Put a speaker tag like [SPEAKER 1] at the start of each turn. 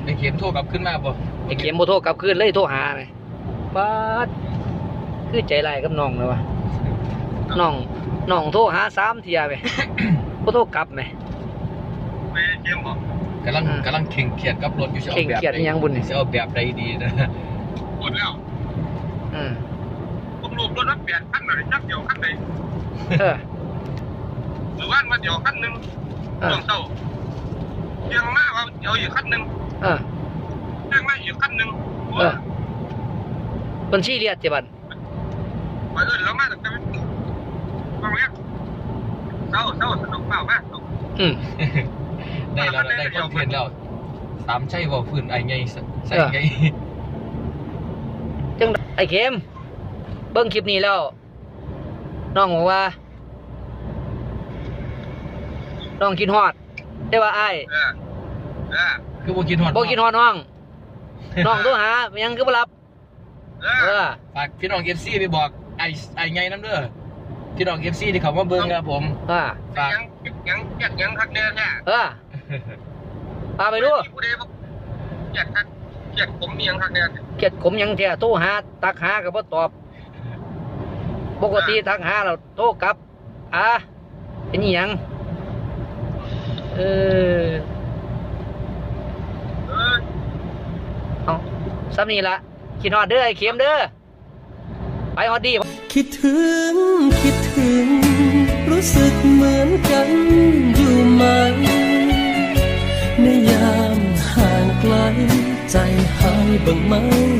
[SPEAKER 1] ไอ้เข็มโทรกลับขึ้นมาบ่
[SPEAKER 2] ไอ้เข็มโมโทรกลับคืนเลยโทรหาไหมป้าดคือใจร้ายกับน้องเลยวะน้องโทรหา3 เที่ยไปโมโทรกลับไหม
[SPEAKER 3] ไม่เข็มบอก
[SPEAKER 1] กำลังเข่งเขียดกับรถอยู่จะเอาแบบจะเอาแบบใดดีนะ
[SPEAKER 3] หมดแล้วผมรูปรถนักเปลี่ยนขั้นไหนจักเดียวขั้นไหนหรือว่ามาเดียวขั้นหนึ่งช่วงเช้าเรียงมากว่าเดี๋ยวอีกขั้นหนึ่งเรียงมาอีกขั้นหนึ่ง
[SPEAKER 2] บัญชีเรียดจีบัน
[SPEAKER 3] ไปแล้วมาแต่บางเรื่องเศร้าสนุกเปล่ามาก
[SPEAKER 1] ได้แล้วได้คอนเทนต์แล้วตามใช่บ่ฝืนไอ้ไงใช่ไง
[SPEAKER 2] จังไอ้เข็มเบิ้งคลิปนี้แล้วน้องบอกว่าน้องกินฮอดได้ว่าไอ้
[SPEAKER 1] คือบ่กินฮอด
[SPEAKER 2] น้องโทรหายังคือบ่รับ
[SPEAKER 1] ฝากพี่น้อง FC ไปบอกไอ้ไงนำเด้อพี่น้อง FC ที่เขามาเบิ่งครับผม
[SPEAKER 3] ฝากยังคักแน่แท้
[SPEAKER 2] พาไปดู
[SPEAKER 3] เกียดผมยังคักแน่
[SPEAKER 2] เกียดผมยังแท้โทรหาตักหาก็บ่ตอบปกติทักหาเราโทรกลับเป็นหยังเอาซ้ำนี่ละคิดฮอดเด้อไอ้เข็มเด้อไปฮอดดี
[SPEAKER 4] คิดถึงรู้สึกเหมือนกันอยู่ไหมในยามห่างไกลใจหายบ้างไหม